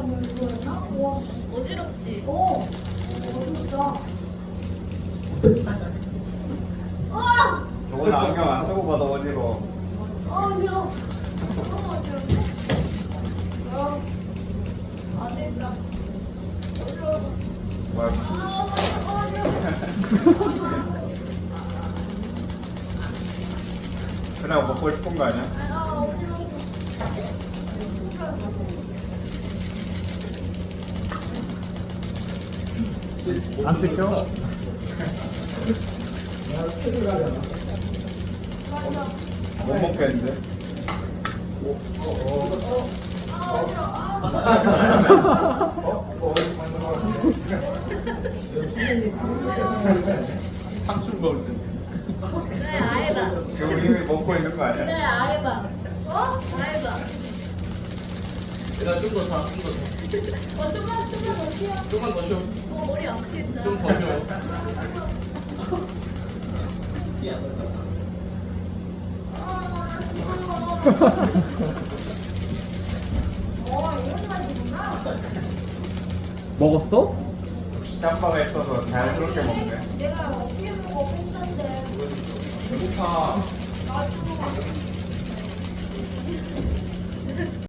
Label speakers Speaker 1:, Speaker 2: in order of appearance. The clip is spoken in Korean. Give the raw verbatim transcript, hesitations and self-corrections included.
Speaker 1: 뭐 이거였나? 와,
Speaker 2: 어지럽지?
Speaker 1: 어, 어렵다. 아,
Speaker 3: 저건 안경 안 쓰고 봐도 어지러워.
Speaker 1: 아, 어지러워. 너무 어지럽네. 어, 안 된다. 어지러워.
Speaker 3: 뭐야?
Speaker 1: 아, 어지러워.
Speaker 3: 그냥 먹고 싶은 거 아니야?
Speaker 1: 아, 어지러워.
Speaker 4: 안 뜯겨?
Speaker 3: 못 먹겠는데?
Speaker 1: 아, 어지러워. 아,
Speaker 4: 상추 먹을 때.
Speaker 2: 그래, 아예봐.
Speaker 3: 지금 이미 먹고 있는 거 아니야?
Speaker 2: 그래, 아예봐. 어? 아예봐.
Speaker 4: 내가 좀 더 다, 좀 더 더.
Speaker 2: 어, 좀만, 좀만 더 쉬어.
Speaker 4: 좀만 더 쉬어.
Speaker 2: 어, 머리 아프겠다.
Speaker 4: 좀 더 쉬어.
Speaker 1: 어, 이런 맛이구나.
Speaker 4: 먹었어?
Speaker 3: 짬바가 있어서 자연스럽게 먹네.
Speaker 1: 내가